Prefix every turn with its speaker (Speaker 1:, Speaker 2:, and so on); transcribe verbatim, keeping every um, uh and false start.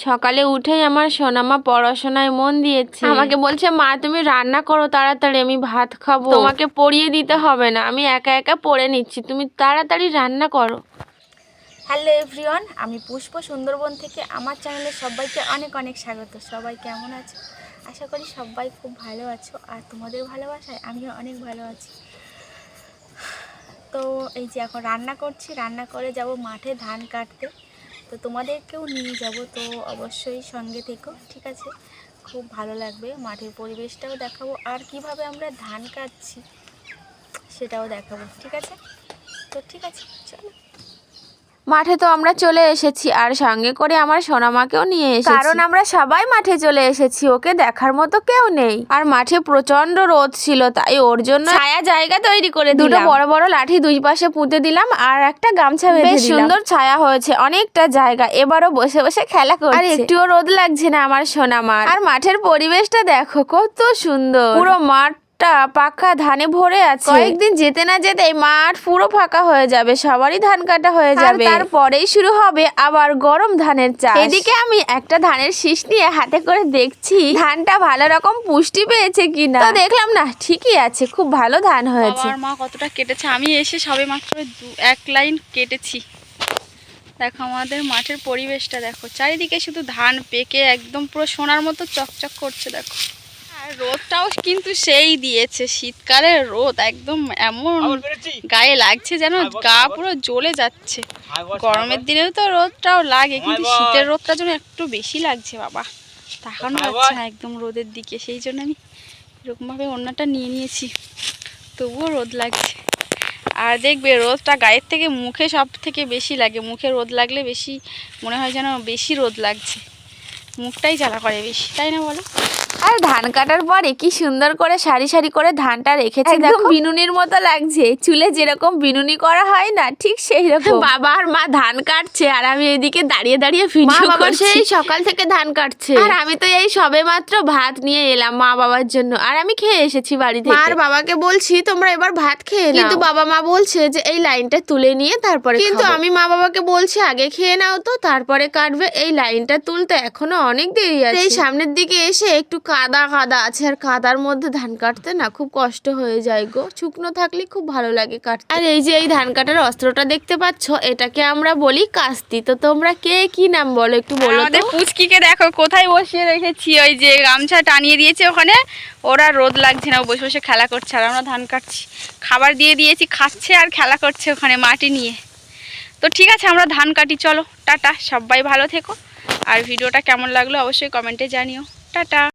Speaker 1: সকালে উঠেই আমার সোনামা পড়াশোনায় মন দিয়েছে। আমাকে বলছে মা তুমি রান্না করো তাড়াতাড়ি, আমি ভাত খাবো, তোমাকে পড়িয়ে দিতে হবে না, আমি একা একা পড়ে নিচ্ছি, তুমি তাড়াতাড়ি রান্না করো।
Speaker 2: হ্যালো এভরিওয়ান, আমি পুষ্প সুন্দরবন থেকে আমার চ্যানেলে সবাইকে অনেক অনেক স্বাগত। সবাই কেমন আছো? আশা করি সবাই খুব ভালো আছো, আর তোমাদের ভালোবাসায় আমিও অনেক ভালো আছি। তো এই যে এখন রান্না করছি, রান্না করে যাব মাঠে ধান কাটতে। তো তোমাদেরকেও নিয়ে যাব, তো অবশ্যই সঙ্গে থেকো, ঠিক আছে? খুব ভালো লাগবে, মাঠের পরিবেশটাও দেখাবো আর কিভাবে আমরা ধান কাটছি সেটাও দেখাবো, ঠিক আছে? তো ঠিক আছে, চলো।
Speaker 1: মাঠে তো আমরা চলে এসেছি, আর সঙ্গে করে আমার সোনামাকেও নিয়ে এসেছি, কারণ আমরা সবাই মাঠে চলে এসেছি, ওকে দেখার মতো কেউ নেই। আর মাঠে প্রচন্ড রোদ ছিল, তাই ওর জন্য ছায়া জায়গা তৈরি করে দুটো বড় বড় লাঠি দুই পাশে পুঁতে দিলাম, আর একটা গামছা বেঁধে দিলাম। বেশ সুন্দর ছায়া হয়েছে অনেকটা জায়গা। এবারও বসে বসে খেলা করছে, আর একটুও রোদ লাগছে না আমার সোনামার। আর মাঠের পরিবেশটা দেখো কত সুন্দর, পুরো মাঠ পাকা ধানে ভরে আছে। কয়েকদিন যেতে না যেতে মাঠ পুরো ফাঁকা হয়ে যাবে, সবারই ধান কাটা হয়ে যাবে, তারপরেই শুরু হবে আবার গরম ধানের চাষ। এদিকে আমি একটা ধানের শীষ নিয়ে হাতে করে দেখছি ধানটা ভালো রকম পুষ্টি পেয়েছে কিনা। তো দেখলাম না, ঠিকই আছে, খুব ভালো ধান হয়েছে।
Speaker 2: আমার মা কতটা কেটেছে, আমি এসে সবে মাত্র দু এক লাইন কেটেছি। দেখো আমাদের মাঠের পরিবেশটা দেখো, চারিদিকে শুধু ধান পেকে একদম পুরো সোনার মতো চকচক করছে। দেখো আর রোদটাও কিন্তু সেই দিয়েছে, শীতকালের রোদ একদম এমন গায়ে লাগছে যেন গা পুরো জ্বলে যাচ্ছে। গরমের দিনেও তো রোদটাও লাগে, কিন্তু শীতের রোদটা যেন একটু বেশি লাগছে বাবা, তাকানো যাচ্ছে না একদম রোদের দিকে। সেই জন্য আমি এরকমভাবে ওড়নাটা নিয়ে নিয়েছি, তবুও রোদ লাগছে। আর দেখবে রোদটা গায়ের থেকে মুখে সব থেকে বেশি লাগে, মুখে রোদ লাগলে বেশি মনে হয় যেন বেশি রোদ লাগছে, মুখটাই জ্বালা করে বেশি, তাই না বলো?
Speaker 1: আর ধান কাটার পরে কি সুন্দর করে সারি সারি করে ধানটা রেখেছে, একদম বিনুনির মতো লাগছে। চুলে যেরকম বিনুনি করা হয় না, ঠিক সেই রকম। বাবা আর মা ধান কাটছে, আর আমি এদিকে দাঁড়িয়ে দাঁড়িয়ে ভিডিও করছি। সেই সকাল থেকে ধান কাটছে, আর আমি তো এই সবে মাত্র ভাত নিয়ে এলাম মা বাবার জন্য, আর আমি খেয়ে এসেছি বাড়ি থেকে। আর বাবাকে বলছি তোমরা এবার ভাত খেয়ে নাও, কিন্তু বাবা মা বলছে যে এই লাইনটা তুলে নিয়ে তারপরে, কিন্তু আমি মা বাবাকে বলছি আগে খেয়ে নাও তো, তারপরে কাটবে। এই লাইনটা তুলতে এখনো অনেক দেরি আছে। এই সামনের দিকে এসে একটু কাদা কাদা আছে, আর কাদার মধ্যে ধান কাটতে না খুব কষ্ট হয়ে যায় গো, শুকনো থাকলে খুব ভালো লাগে কাটতে। আর এই যে এই ধান কাটার অস্ত্রটা দেখতে পাচ্ছ, এটাকে আমরা বলি কাস্তি। তো তোমরা কে কি নাম বলো একটু বলো।
Speaker 2: আমাদের পুচকিকে দেখো কোথায় বসিয়ে রেখেছি, ওই যে গামছা টানিয়ে দিয়েছে ওখানে, ওরা রোদ লাগছে না, বসে বসে খেলা করছে, আর আমরা ধান কাটছি। খাবার দিয়ে দিয়েছি, খাচ্ছে আর খেলা করছে ওখানে মাটি নিয়ে। তো ঠিক আছে, আমরা ধান কাটি, চলো টাটা, সবাই ভালো থেকো। আর ভিডিওটা কেমন লাগলো অবশ্যই কমেন্টে জানিও। টাটা।